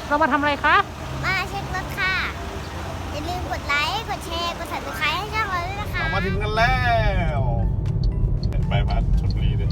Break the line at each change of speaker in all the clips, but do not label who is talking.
เรามาทำอะไรคะ
มาเช็ครถค่ะอย่าลืมกดไลค์กดแชร์กด Subscribe ให้ช่องเราด้วยนะคะ
เรามาถึงกันแล้วเป็นใบพัดชลบุรีเลย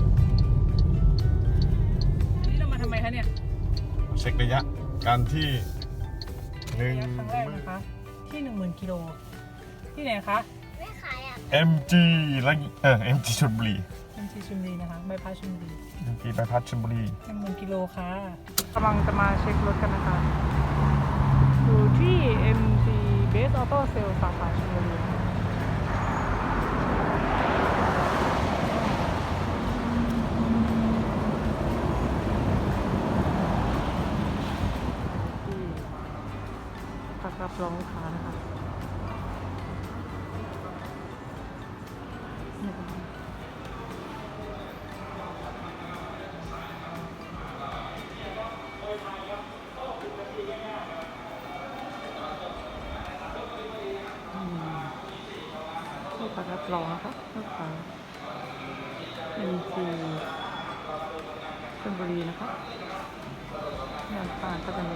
นี่เรามาทำไมคะเนี่ย
เช็คระยะการที่หนึ่ง
ครั้งแรกนะคะ ที่ 10,000 กิโลที่ไหนคะ
ไม่ขายอ่ะ
MG และMG ชลบุรี
MG ชลบุรีนะคะใบพัดชลบุรี
MG ใบพัดชลบุรี
10,000 กิโลค่ะกำลังจะมาเช็ครถกันนะคะอยู่ที่ MG Base Auto Sales สาขาชลบุรีที่พักรับรองลูกค้านะคะที่พักรับรองนะคะลูกค้า MG ชลบุรีนะคะงานผ่านก็จะมี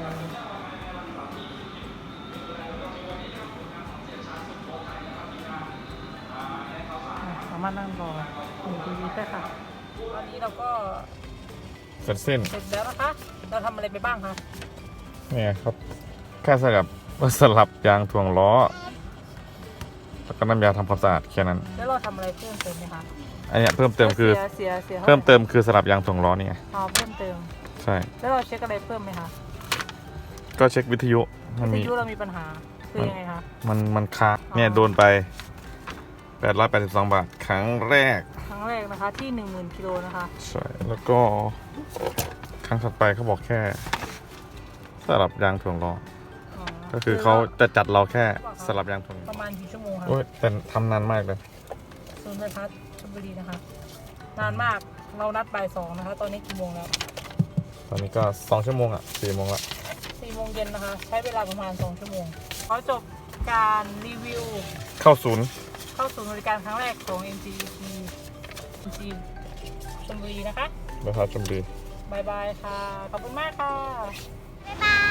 สามารถนั่งรออยู่ดีๆได้ค่ะตอนนี้เราก็
เสร็จสิ้น
เสร็จแล้วนะคะเราทำอะไรไปบ้างคะ
เนี่ยครับแค่สลับยางถ่วงล้อแล้วก็น้ำยาทำความสะอาดแค่นั้น
แล้วเราทำอะไรเพิ่มเติมไหมคะ
อันเนี้ยเพิ่มเติมคือ
เสียท่าไหร่
เพิ่มเติมคือสลับยางถ่วงล้อนี่ไง
อ๋อเพิ่มเติม
ใช่
แล้วเราเช็คอะไรเพิ่มไหมคะ
ก็เช็ควิทยุมัน
วิ
มี
ทยุเรามีปัญหาคือยังไงคะ
มันค้างเนี่ยโดนไป882 บาทครั้งแรก
ครั้งแรกนะคะที่ 10,000 กิโลนะคะ
ใช่แล้วก็ครั้งถัดไปเขาบอกแค่สลับยางถ่วงล้อ
อ๋อ
ก็คือเขาจะจัดเราแค่สลับยางถ่วง
ประมาณกี่ชั่วโมงคะ
โอ้ยแต่ทำนานมากเลย
ศูนย์ใบพัดชลบุรีนะคะ นานมากเรานัดบ่าย2นะคะ ตอนนี้กี่โมงแล้ว
ตอนนี้ก็2 ชั่วโมงอ่ะ4 โมงละ
4 โมงเย็นนะคะ ใช้เวลาประมาณ2 ชั่วโมงขอจบการรีวิว
เข้าศูนย์
เข้าสู่บริการครั้งแรกของ MG ชลบุรีนะคะ
นะครับชมดี
บายบายค่ะ ขอบคุณมากค่ะ
บ๊ายบาย